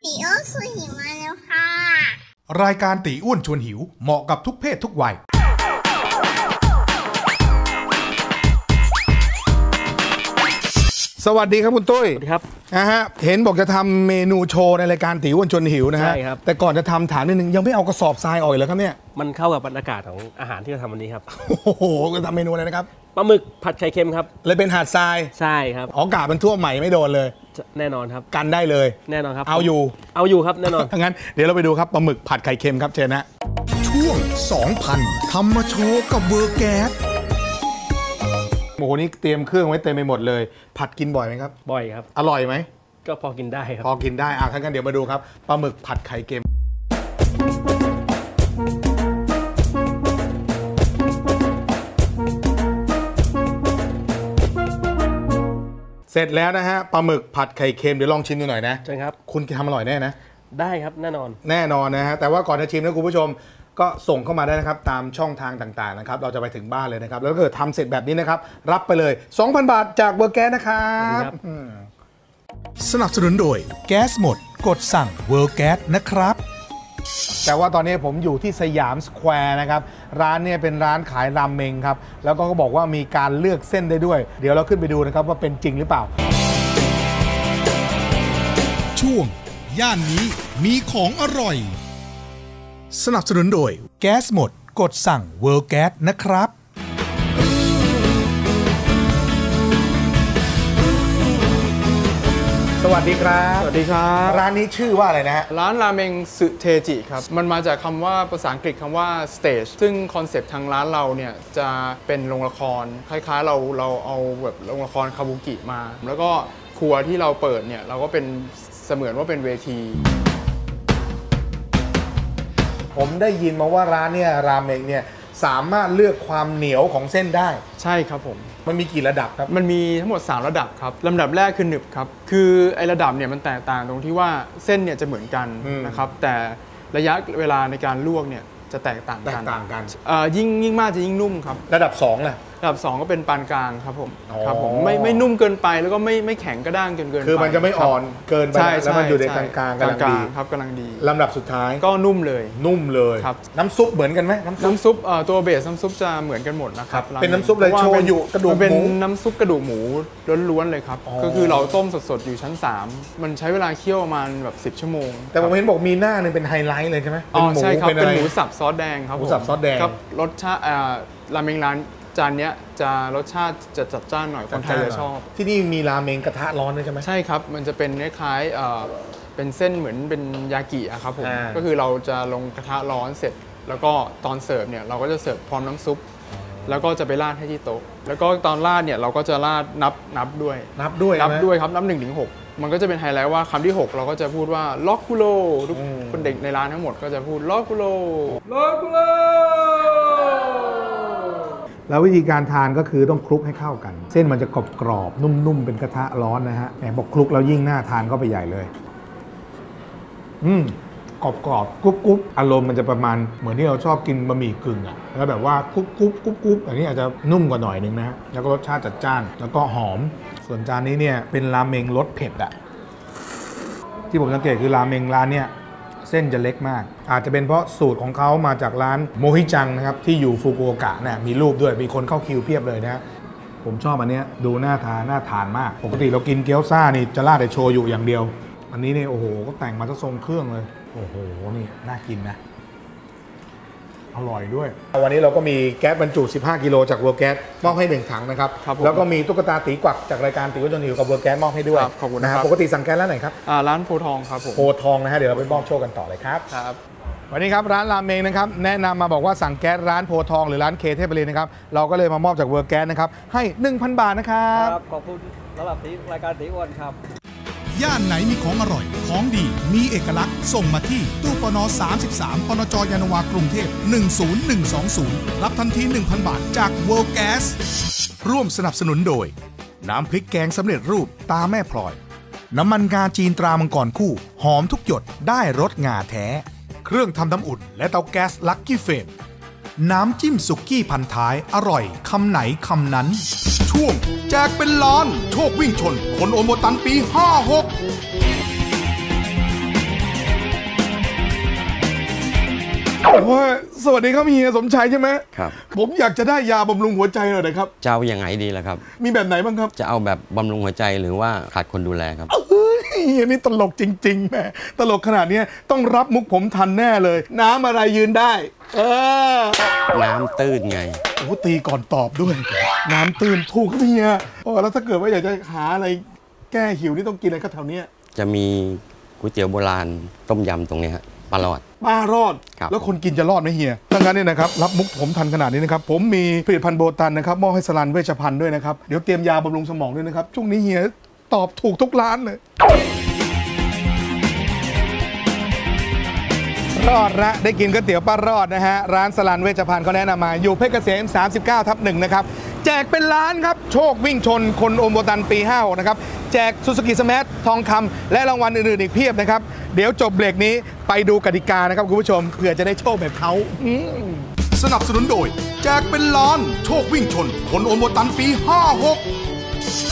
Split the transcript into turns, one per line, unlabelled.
ตีอ้วนชวนหิวมาแล้วค่ะ
รายการตีอ้วนชวนหิวเหมาะกับทุกเพศทุกวัยสวัสดีครับคุณตุ้ย
สวัสดีครับ
เห็นบอกจะทำเมนูโชว์ในรายการตีอ้วนชวนหิวนะฮะ
ใช่ครับ
แต่ก่อนจะทำถามนิดนึงยังไม่เอากระสอบทรายออกเลยครับเนี่ย
มันเข้ากับบรรยากาศของอาหารที่เราทำวันนี้ครับ
โอ้โหจะทำเมนูอะไรนะครับ
ปลาหมึกผัดไข่เค็มครับ
เลยเป็นหาดทราย
ใช่ครับ
อากาศมันท่วมใหม่ไม่โดนเลย
แน่นอนครับ
กันได้เลย
แน่นอนครับ
เอา
อยู่ครับแน่นอน
งั้นเดี๋ยวเราไปดูครับปลาหมึกผัดไข่เค็มครับเชิญนะช่วง 2,000 ทำมาโชว์กับเวอร์แก๊สโอ้โหนี่เตรียมเครื่องไว้เต็มไปหมดเลยผัดกินบ่อยไหมครับ
บ่อยครับ
อร่อยไหม
ก็พอกินได้ครับ
พอกินได้ถ้างั้นเดี๋ยวมาดูครับปลาหมึกผัดไข่เค็มเสร็จแล้วนะฮะปลาหมึกผัดไข่เค็มเดี๋ยวลองชิมดูหน่อยนะ
ใช่ครับ
คุณทำอร่อยแน่นะ
ได้ครับแน่นอน
นะฮะแต่ว่าก่อนจะชิมนะคุณผู้ชมก็ส่งเข้ามาได้นะครับตามช่องทางต่างๆนะครับเราจะไปถึงบ้านเลยนะครับแล้วก็ทำเสร็จแบบนี้นะครับรับไปเลย 2,000 บาทจากเวอร์แก๊สนะครับสนับสนุนโดยแก๊สหมดกดสั่งเวอร์แก๊สนะครับแต่ว่าตอนนี้ผมอยู่ที่สยามสแควร์นะครับร้านเนี่ยเป็นร้านขายรามเมงครับแล้วก็บอกว่ามีการเลือกเส้นได้ด้วยเดี๋ยวเราขึ้นไปดูนะครับว่าเป็นจริงหรือเปล่าช่วงย่านนี้มีของอร่อยสนับสนุนโดยแก๊สหมดกดสั่งเวิร์แก๊สนะครับสวัสดีครับ
สวัสดีครับ
ร้านนี้ชื่อว่าอะไรนะฮะ
ร้านราเมงสึเทจิครับมันมาจากคำว่าภาษาอังกฤษคำว่า stage ซึ่งคอนเซปต์ทางร้านเราเนี่ยจะเป็นโรงละครคล้ายๆเราเอาแบบโรงละครคาบุกิมาแล้วก็ครัวที่เราเปิดเนี่ยเราก็เป็นเสมือนว่าเป็นเวที
ผมได้ยินมาว่าร้านเนี่ยราเมงเนี่ยสามารถเลือกความเหนียวของเส้นได้
ใช่ครับผม
มันมีกี่ระดับครับ
มันมีทั้งหมด3ระดับครับลำดับแรกคือหนึบครับคือไอ้ระดับเนี่ยมันแตกต่างตรงที่ว่าเส้นเนี่ยจะเหมือนกันนะครับแต่ระยะเวลาในการลวกเนี่ยจะแตกต่างกันยิ่งมากจะยิ่งนุ่มครับ
ระดับ2ล่ะ
ระดับ2ก็เป็นปานกลางครับผมครับผมไม่นุ่มเกินไปแล้วก็ไม่แข็งกระด้างเกินไป
คือมันจะไม่อ่อนเกินไปแล้วมันอยู่ในกลางกำลังดี
ครับกำลังดี
ลำดับสุดท้าย
ก็นุ่มเลย
ครับน้ำซุปเหมือนกันไหม
น้ำซุปตัวเบสน้ำซุปจะเหมือนกันหมดนะครับ
เป็นน้ำซุปเลยโชยุกระดูกหมู
เป็นน้ำซุปกระดูกหมูล้วนๆเลยครับก็คือเราต้มสดๆอยู่ชั้น3มันใช้เวลาเคี่ยวประมาณแบบ10 ชั่วโมง
แต่ผมเห็นบอกมีหน้านึงเป็นไฮไลท์เลยใช่ไหม
ใช่ครับเป็นหมูสับซอสแดงครับ
หมูสับซอสแดง
ครับรสชาติราเมงร้านจานนี้จะรสชาติจะจัดจ้านหน่อยคนไทยจะชอบ
ที่นี่มีราเมงกระทะร้อนด้วยใช่ไหม
ใช่ครับมันจะเป็นคล้ายๆเป็นเส้นเหมือนเป็นยากิอะครับผมก็คือเราจะลงกระทะร้อนเสร็จแล้วก็ตอนเสิร์ฟเนี่ยเราก็จะเสิร์ฟพร้อมน้ำซุปแล้วก็จะไปราดให้ที่โต๊ะแล้วก็ตอนราดเนี่ยเราก็จะราดนับด้วยครับนับ1 ถึง 6มันก็จะเป็นไฮไลท์ว่าคำที่6เราก็จะพูดว่าล็อกคุโรทุกคนเด็กในร้านทั้งหมดก็จะพูดล็อกคุโร
แล้ววิธีการทานก็คือต้องคลุกให้เข้ากันเส้นมันจะกรอบๆนุ่มๆเป็นกระทะร้อนนะฮะแหมบอกคลุกแล้วยิ่งน่าทานก็ไปใหญ่เลยกรอบๆกรุบๆอารมณ์มันจะประมาณเหมือนที่เราชอบกินบะหมี่กึ่งอ่ะแล้วแบบว่ากรุบอันนี้อาจจะนุ่มกว่าหน่อยนึงนะฮะแล้วก็รสชาติจัดจ้านแล้วก็หอมส่วนจานนี้เนี่ยเป็นราเมงรสเผ็ดอ่ะที่ผมสังเกตคือราเมงร้านเนี่ยเส้นจะเล็กมากอาจจะเป็นเพราะสูตรของเขามาจากร้านโมฮิจังนะครับที่อยู่ฟุกุโอกะเนี่ยมีรูปด้วยมีคนเข้าคิวเพียบเลยนะผมชอบอันนี้ดูน่าทานมากปกติเรากินเกี๊ยวซ่านี่จะราดแต่โชยุอย่างเดียวอันนี้เนี่ยโอ้โหก็แต่งมาซะทรงเครื่องเลยโอ้โหนี่น่ากินนะอร่อยด้วยวันนี้เราก็มีแก๊สบรรจุ15 กิโลจากเวอร์แก๊สมอบให้1 ถังนะครับแล้วก็มีตุ๊กตาตีกวักจากรายการตีอ้วนชวนหิวกับเวอร์แก๊สมอบให้ด้วย
ขอบคุณนะครับ
ปกติสั่งแก๊สร้านไหนครับ
ร้านโพทองครับผม
โพทองนะฮะเดี๋ยวเราไปมอบโชคกันต่อเลยครับวันนี้ครับร้านราเมงนะครับแนะนำมาบอกว่าสั่งแก๊สร้านโพทองหรือร้านเคเทพบรินนะครับเราก็เลยมามอบจากเวอร์แก๊สนะครับให้ 1,000 บาทนะครับ
ขอบคุณสำหรับรายการตีอ้วนครับ
ย่านไหนมีของอร่อยของดีมีเอกลักษณ์ส่งมาที่ตู้ปน33ปนจยานนาวากรุงเทพ10120รับทันที 1,000 บาทจาก World Gas ร่วมสนับสนุนโดยน้ำพริกแกงสำเร็จรูปตาแม่พลอยน้ำมันงาจีนตรามังกรคู่หอมทุกหยดได้รสงาแท้เครื่องทำน้ำอุ่นและเตาแก๊สลักกี้เฟมน้ำจิ้มสุกี้พันท้ายอร่อยคำไหนคำนั้นช่วงแจกเป็นล้านโชควิ่งชนคนโอนโบตันปี 56 โอ้ยสวัสดีครับเฮียสมชายใช่ไหม
ครับ
ผมอยากจะได้ยาบำรุงหัวใจหน่อยนะครับ
จะเอาอย่างไงดีล่ะครับ
มีแบบไหนบ้างครับ
จะเอาแบบบำรุงหัวใจหรือว่าขาดคนดูแลครับ
เฮ้ยเฮียนี่ตลกจริงๆแหมตลกขนาดนี้ต้องรับมุกผมทันแน่เลย น้ำอะไรยืนได้
น้ำตื้นไง
โอ้ตีก่อนตอบด้วย น้ำตื้นถูกครับเฮียโอ้แล้วถ้าเกิดว่าอยากจะหาอะไรแก้หิวนี่ต้องกินอะไรครับแถวเนี้ย
จะมีก๋วยเตี๋ยวโบราณต้มยำตรงนี้ฮะปลาหลอด
ป้ารอด
ครับ
แล้วคนกินจะรอดไหมเฮียดังนั้นเนี่ยนะครับรับมุกผมทันขนาดนี้นะครับผมมีผลิตภัณฑ์โบตันนะครับมอบให้สลันเวชภัณฑ์ด้วยนะครับเดี๋ยวเตรียมยาบำรุงสมองด้วยนะครับช่วงนี้เฮียตอบถูกทุกร้านเลยรอดละได้กินก๋วยเตี๋ยวป้ารอดนะฮะร้านสลันเวชภัณฑ์เขาแนะนำมาอยู่เพชรเกษม 39/1 นะครับแจกเป็นล้านครับโชควิ่งชนคนโอมโบตันปี 56 นะครับแจกซูซูกิสมาร์ททองคำและรางวัลอื่นๆอีกเพียบนะครับเดี๋ยวจบเบรกนี้ไปดูกติกานะครับคุณผู้ชมเผื่อจะได้โชคแบบเขาสนับสนุนโดยแจกเป็นล้านโชควิ่งชนคนโอมโบตันปี 56